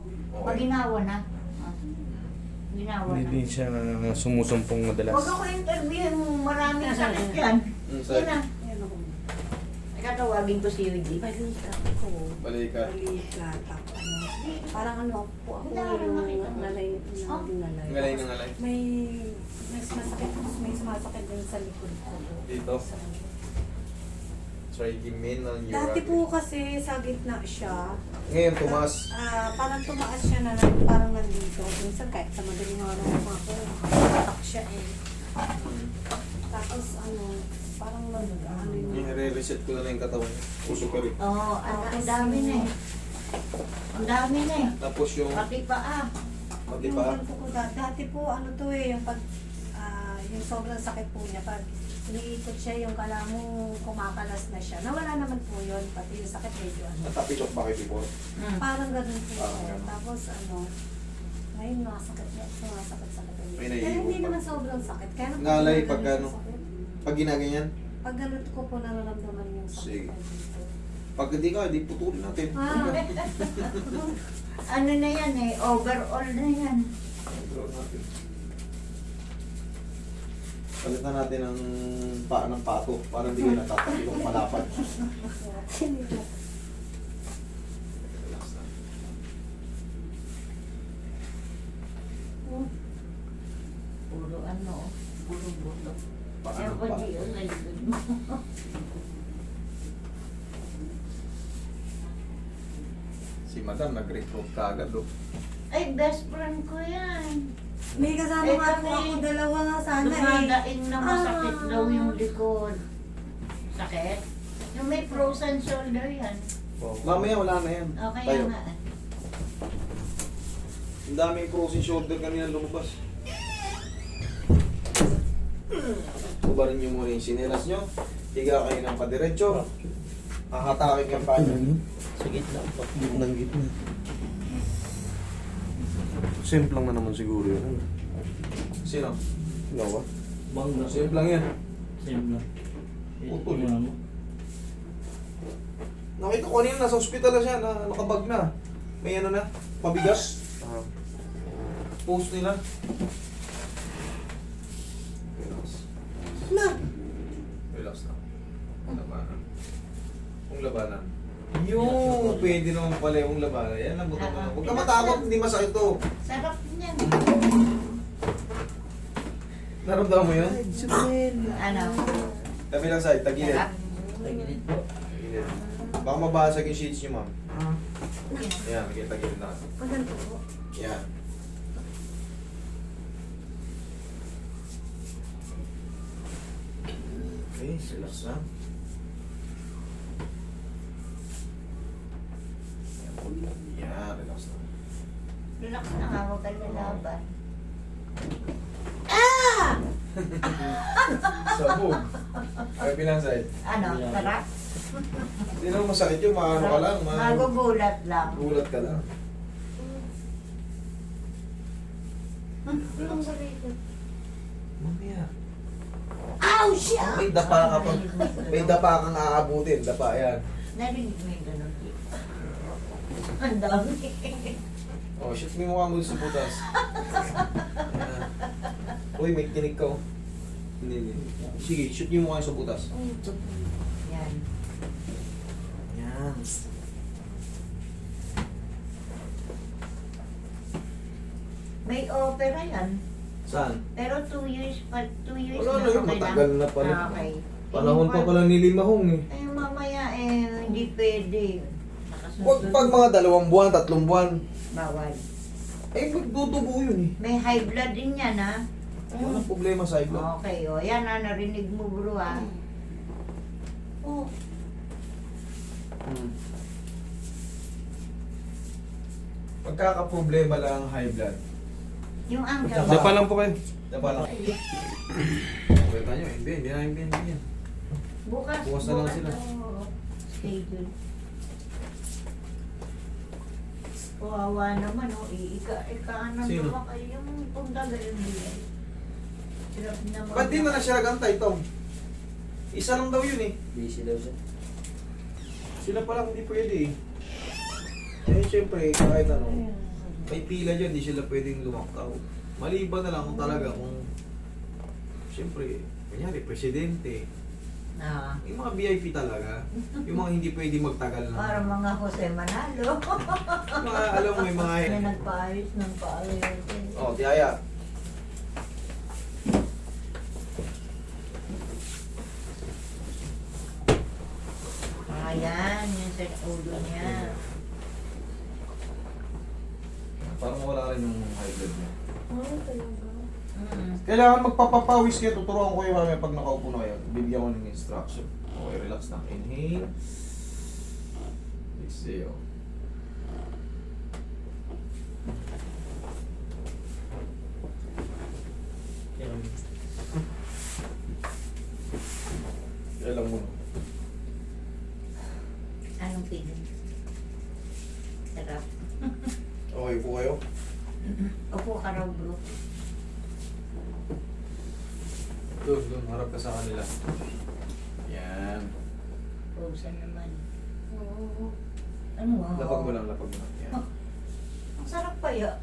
Pag ginawa na. Ginawa na. Hindi siya sumusumpong madalas. Huwag ako interviewin mo, maraming sakit yan. Yan na. Katawagin ko si Yuji. Balikat ko. Balikat. Balikat. Parang ano po ako Wala, yung makita mo. nalay. Oh. Ngalay na ngalay. May sumasakit din sa likod ko. Dito? Trigemin ng urine. Dati po kasi sa gitna siya. Ngayon, tumas. Parang tumaas siya na parang nandito. Minsan kahit sa madaling araw ako, tatak siya eh. Tapos ano, parang ano Yung yun. re-reset ko na lang yung katawan niya. Puso ko rin. Oo, ang dami na eh. Ang dami na eh. Tapos yung Pati paa. pati Yung pa. ganito ko dati po ano to eh, yung pag yung sobrang sakit po niya pag iniikot siya yung kala mo kumakalas na siya. Nawala naman po yun, pati yung sakit medyo ano. Natapitok pa kayo before. Parang ganun po. Parang ganun. Tapos ano, ngayon sumasakit-sakit ulit. May Pero naiiwan hindi pa. naman sobrang sakit. Kaya nung Ngalay pag pagka ano? sakit, Pag ginaganyan, pag ganun ko po nararamdaman yung sakit. Sige. pag hindi ka, hindi putulin natin. Ano na yan eh, overall na yan. Control natin. Palitan natin ang paa ng pato para hindi kayo natatapilong malapad. Relax na. Puro ano, puro buto. Paa Kaya ng pa pato. di yun, nalikod mo. Si madam nag-recruit ka agad, oh. Ay, best friend ko yan. May kasama Eh, nga po kami, ako dalawa nga sana eh. Dumadaing na masakit Ah. daw yung likod. Sakit? Yung may frozen shoulder yan. Mamaya wala na yan. Okay Tayo. nga. Ang daming frozen shoulder kanina lumabas. Subarin nyo muna yung sinelas nyo. Higa kayo ng padiretso. Hahatakin yung paa nyo. Sa gitna po. Gitnang gitna. Simple lang na naman siguro yun. Sino? Ikaw ba? Bangga. Simple lang yan. Same lang. Putol. Ito mo. Nakita ko kanina, nasa ospital na siya, na nakabag na. May ano na, pabigas. Post nila. Relax. Na! Relax na. Labanan. Kung labanan. Yung pwede naman pala yung labanan. Yan lang buto mo. Huwag ka matakot, hindi masakit to. Sarap niyan. Naramdaman mo yun? Ano? Tabi lang sa'yo, tagilid. Sarap. Tagilid po. Tagilid. Baka mabasag yung sheets niyo, ma'am. Ah. Yan, tagilid na. Maganda po. Yan. Okay, relax na. Yan, relax na. Relax na nga, huwag kang lalaban. Sabog. Ay, pinansay. Ano? Sarap? Hindi naman masakit yun, maano ka lang. Magugulat lang. Gulat ka lang. Ang sarili. Mamaya. Ow! Siya! May dapa ka pa. May dapa kang aabutin. Dapa, yan. Narinig mo yung ganun. Ang dami. Oh, shoot mo yung mukha mo sa butas. Yan. Uy, may tinig ka, oh. Hindi. Sige, shoot niyo yung mukha sa butas. Yan. Yan. May opera yan. Saan? Pero 2 years pa, 2 years Wala na yun, okay matagal na pala. Ah, okay. Panahon pa pala ni Limahong eh. Eh, mamaya hindi pwede. Huwag pag mga 2 buwan, 3 buwan. Bawal. Eh, magdudugo yun eh. May high blood din yan, ha? Walang problema sa iblo. Okay, o. Yan, ha, narinig mo, bro, ha? Oh. Pagkakaproblema lang ang high blood. Yung angka. Dapa. Dapa lang po kayo. Dapa lang. Kwenta nyo, hindi na hindi yan. Bukas. Bukas na lang sila. Oo. Schedule. Kawawa naman, o. Ika-ano Sino? naman kayo yung pundaga yung bilay. Hirap naman. Ba't di na siya nagantay, Tom? Isa lang daw yun eh. Busy daw siya. Sila pa lang hindi pwede eh. Eh, syempre, kahit ano. may pila dyan, di sila pwedeng lumaktaw. Maliban na lang kung talaga kung siyempre, kunyari, presidente, Ah, yung mga VIP talaga, yung mga hindi pwede magtagal na. parang mga Jose Manalo. Yung mga, alam mo, may mga... Yan nagpaayos ng paayos. Oh, tiyaya. Ayan, yung sa ulo niya. Parang wala rin yung high blood niya. Ay, talaga. Kailangan magpapapawis kayo. Tuturuan ko kayo mamaya pag nakaupo na kayo. Bibigyan ko ng instruction. Okay, relax na. Inhale. Exhale. Kaya lang muna. Anong feeling? Sarap. Okay po kayo? Upo ka raw, bro. Doon. Harap ka sa kanila. Yan. Frozen naman. Oo. Ano wow? Lapag mo lang. Yan. Ang sarap pa ya.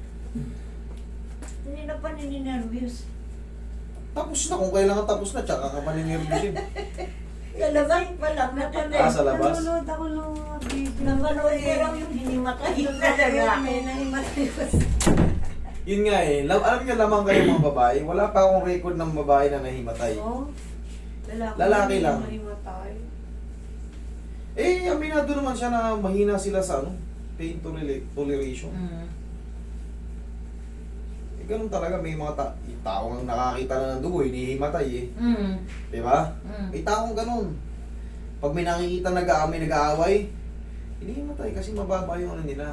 Hindi na pa nininervyos. Tapos na. Kung kailangan tapos na, tsaka ka maninervyusin. Lalabas pa lang na Ah, sa labas? Nanonood ako ng mga video. Napanood ko lang yung hinimatay talaga. May nahimatay ko. Yun nga eh. Alam niyo lamang kayo mga babae. Wala pa akong record ng babae na nahimatay. Oh, Lalaki lang. Nahimatay. Eh, aminado naman siya na mahina sila sa ano, pain toleration. Eh, ganun talaga. May mga taong nakakita na ng dugo, hinihimatay eh. Di ba? May taong ganun. Pag may nakikita nag-aaway, hinihimatay kasi mababa yung ano nila.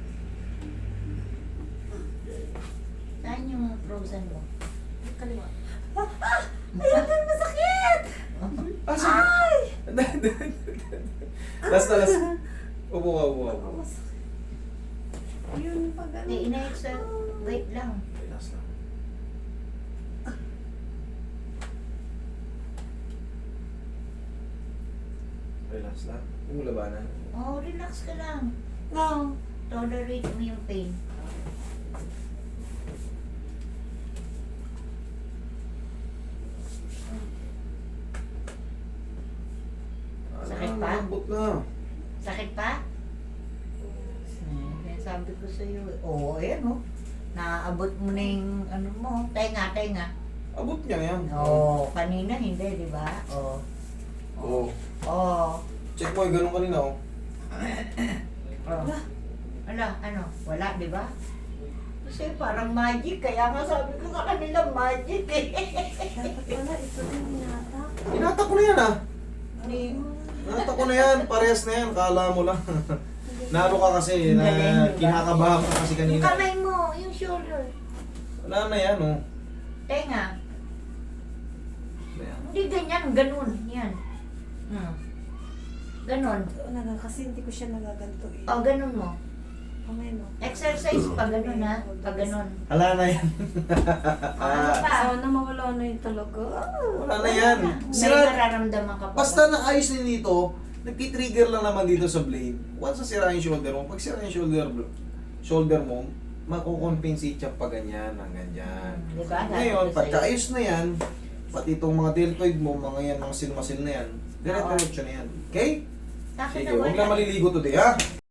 Saan yung frozen mo? Kaliwa. Ayun, masakit! Ah, sige. Last. Upo ka. Masakit. Yun, pag ano. Hindi, ina-extra. Wait lang. Okay, last lang. Relax lang. Kung labanan. Oh, relax ka lang. No. Tolerate mo yung pain. Sakit pa? Malambot na. Sakit pa? Sabi ko sa'yo, oo, ayan o. Naaabot mo na yung ano mo, tenga. Abot niya na yan. Oo, kanina hindi, di ba? Oo. Oo. Oo. Check mo yung ganun kanina oh. Oh. Ala, ano? Wala, di ba? Kasi parang magic, kaya nga sabi ko sa kanila magic eh. Dapat pala, ito din yata. Inata ko na yan ah. Ni- Inata ko na yan. Parehas na yan. Kala mo lang. Naro ka kasi na Galing, diba? kinakabahan ka kasi Yung kanina. kamay mo, yung shoulder. Wala na yan oh. Tenga. Ayan. Hindi ganyan, ganun. Yan. Ganun. Kasi hindi ko siya nagaganto eh. O, ganun mo. Kamay no. Exercise pa ganun ha. Pag ganun. Wala na yan. Ano pa? Sana mawala na yung talaga. Wala na yan. May Sira, nararamdaman ka pa. basta naayos na dito, nagtitrigger lang naman dito sa blade. Once na sira yung shoulder mo, pag sira yung shoulder mo, makukompensate siya pa ganyan, hanggang dyan. Diba? Ngayon, pagkaayos na yan, pati itong mga deltoid mo, mga yan, mga silmasil na yan, dire-diretso na yan. Okay? Sa akin Sige, na huwag wala. lang maliligo today, ha?